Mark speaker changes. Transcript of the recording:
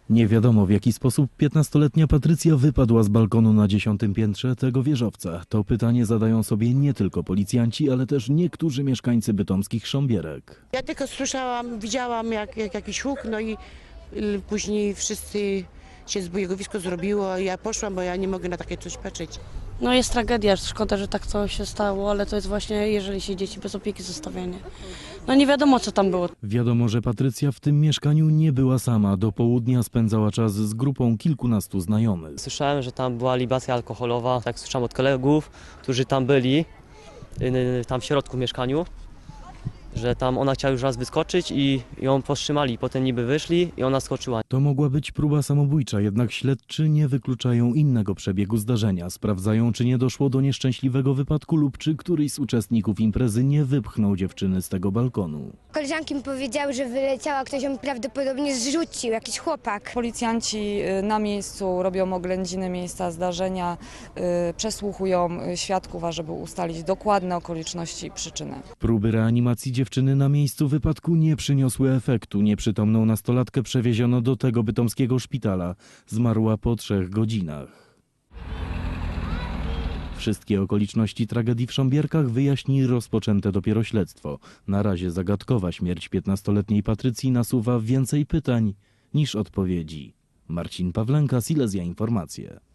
Speaker 1: Nie wiadomo, w jaki sposób 15-letnia Patrycja wypadła z balkonu na 10. piętrze tego wieżowca. To pytanie zadają sobie nie tylko policjanci, ale też niektórzy mieszkańcy bytomskich Sząbierek.
Speaker 2: Ja tylko słyszałam, widziałam jak jakiś huk, no i później wszyscy się zbojegowisko zrobiło. Ja poszłam, bo ja nie mogę na takie coś patrzeć.
Speaker 3: No jest tragedia, szkoda, że tak coś się stało, ale to jest właśnie, jeżeli się dzieci bez opieki zostawianie. No nie wiadomo, co tam było.
Speaker 1: Wiadomo, że Patrycja w tym mieszkaniu nie była sama. Do południa spędzała czas z grupą kilkunastu znajomych.
Speaker 4: Słyszałem, że tam była libacja alkoholowa, tak słyszałem od kolegów, którzy tam byli, tam w środku w mieszkaniu, że tam ona chciała już raz wyskoczyć i ją powstrzymali, potem niby wyszli i ona skoczyła.
Speaker 1: To mogła być próba samobójcza, jednak śledczy nie wykluczają innego przebiegu zdarzenia. Sprawdzają, czy nie doszło do nieszczęśliwego wypadku lub czy któryś z uczestników imprezy nie wypchnął dziewczyny z tego balkonu.
Speaker 5: Koleżanki mi powiedziały, że wyleciała, ktoś ją prawdopodobnie zrzucił, jakiś chłopak.
Speaker 6: Policjanci na miejscu robią oględziny miejsca zdarzenia, przesłuchują świadków, ażeby ustalić dokładne okoliczności i przyczyny.
Speaker 1: Próby reanimacji dziewczyny na miejscu wypadku nie przyniosły efektu. Nieprzytomną nastolatkę przewieziono do tego bytomskiego szpitala. Zmarła po 3 godzinach. Wszystkie okoliczności tragedii w Sząbierkach wyjaśni rozpoczęte dopiero śledztwo. Na razie zagadkowa śmierć 15-letniej Patrycji nasuwa więcej pytań niż odpowiedzi. Marcin Pawlenka, Silesia Informacje.